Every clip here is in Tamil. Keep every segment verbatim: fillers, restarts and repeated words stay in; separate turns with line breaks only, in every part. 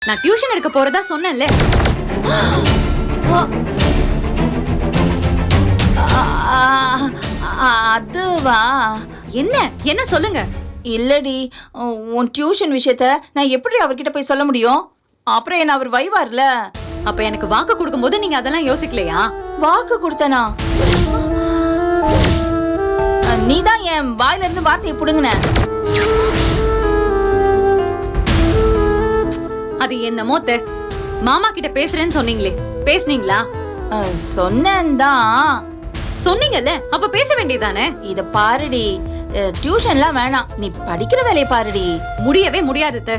நான் டியூஷன் எடுக்க போறதா சொன்னேன்ல.
அதுவா?
என்ன என்ன சொல்லுங்க.
இல்லடி, உன் டியூஷன் விஷயத்த நான் எப்படி அவர்கிட்ட போய் சொல்ல முடியும்? அப்புறம் என்ன அவர் வைவார்ல.
அப்ப எனக்கு வாக்கு கொடுக்கும் போது நீங்க அதெல்லாம் யோசிக்கலையா?
வாக்கு கொடுத்தனா? நீதான் என் வாயில இருந்து வார்த்தையை புடுங்கின.
அது என்னமோ தெ மாமா கிட்ட பேசுறேன்னு சொன்னீங்களே, பேசுனீங்களா?
சொன்னேன் தான்.
சொன்னீங்கல்ல, அப்ப பேச வேண்டியதானே.
இத பாருடி, டியூஷன்லாம் வேணாம், நீ படிக்கிற வேலையை பாருடி.
முடியவே முடியாது தெ.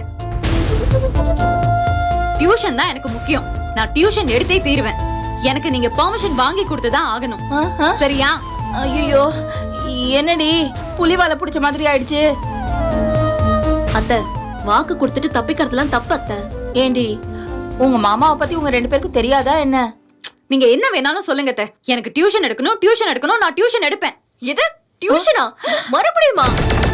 டியூஷன் தான் எனக்கு முக்கியம். நான் டியூஷன் எடுத்தே தீருவேன். எனக்கு நீங்க பெர்மிஷன் வாங்கி கொடுத்துதான் ஆகணும். சரியா?
ஐயோ, என்னடி புலிவால புடிச்ச மாதிரி ஆயிடுச்சு.
அத்தை, வாக்கு கொடுத்துட்டு தப்பிக்கிறதுலாம் தப்பு அத்தை.
ஏண்டி, உங்க மாமாவை பத்தி உங்க ரெண்டு பேருக்கும் தெரியாதா என்ன?
நீங்க என்ன வேணாலும் சொல்லுங்க தெ. எனக்கு டியூஷன் எடுக்கணும், டியூஷன் எடுக்கணும், நான் டியூஷன் எடுப்பேன்.
இது டியூஷனா? மறுபடியுமா?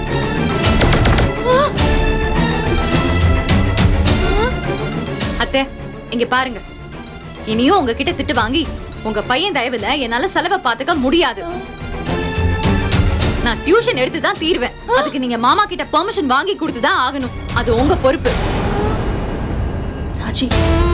அத்தை, இங்க பாருங்க. இனியும் உங்ககிட்ட திட்டு வாங்கி உங்க பையன் தயவுல என்னால செலவை பாத்துக்க முடியாது. நான் டியூஷன் எடுத்து தான் தீர்வேன். அதுக்கு நீங்க மாமா கிட்ட பெர்மிஷன் வாங்கி கொடுத்து தான் ஆகணும். அது உங்க பொறுப்பு.
ராஜி,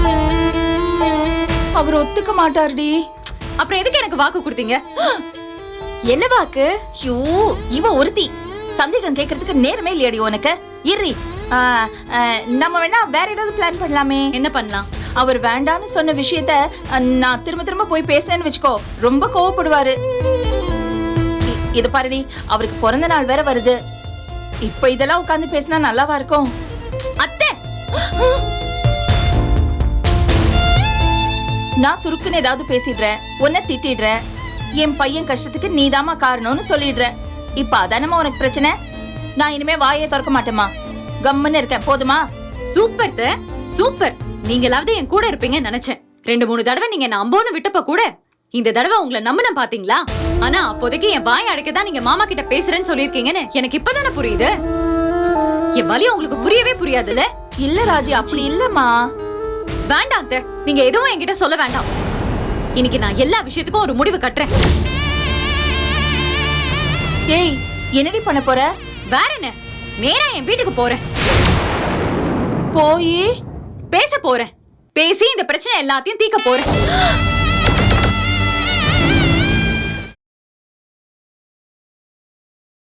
அவர் ஒத்துக்க மாட்டாருடி.
அப்புறம் எதுக்கு எனக்கு வாக்கு கொடுத்தீங்க?
என்ன வாக்கு?
ஐயோ, இவ ஒருத்தி சந்தேகம் கேக்குறதுக்கு நேரமே இல்லையடி உனக்கு. இரி, நம்ம வேணா வேற ஏதாவது பிளான் பண்ணலாமே.
என்ன பண்ணலாம்?
அவர் வேண்டான்னு சொன்ன விஷயத்த நான் திரும்ப திரும்ப போய் பேசுறேன்னு வச்சுக்கோ, ரொம்ப கோவப்படுவாரு. இது பாருடி, அவருக்கு பிறந்த நாள் வேற வருது. இப்ப இதெல்லாம் உட்கார்ந்து பேசினா நல்லாவா இருக்கும்?
அத்தை,
நான் சுருக்குன்னு ஏதாவது பேசிடுறேன், உன்னை திட்டிடுறேன். என் பையன் கஷ்டத்துக்கு நீதாமா காரணம்னு சொல்லிடுறேன். இப்ப அதானமா உனக்கு பிரச்சனை? நான் இனிமே வாயே திறக்க மாட்டேமா, கம்முன்னு இருக்கேன். போதுமா?
சூப்பர் தெ, சூப்பர். நீங்களாவது என் கூட இருப்பீங்கன்னு நினைச்சேன். ரெண்டு மூணு தடவை நீங்க நான் அம்போன்னு விட்டப்ப கூட இந்த தடவை உங்களை நம்பின பாத்தீங்களா? ஆனா அப்போதைக்கு என் வாய் அடைக்கதான் நீங்க மாமா கிட்ட பேசுறேன்னு சொல்லிருக்கீங்கன்னு எனக்கு இப்பதானே புரியுது. என் வலி உங்களுக்கு புரியவே புரியாதுல்ல.
இல்ல ராஜி, அப்படி இல்லம்மா.
வேண்டாம் அத்தை, நீங்க எதுவும் என்கிட்ட சொல்ல வேண்டாம். இன்னைக்கு நான் எல்லா விஷயத்துக்கும் ஒரு முடிவு கட்டுறேன்.
ஏய், என்னடி பண்ண போற?
வேற என்ன, நேரா என் வீட்டுக்கு போறேன்.
போய்
பேச போறேன். பேசி இந்த பிரச்சனை எல்லாத்தையும் தீர்க்க போறேன்.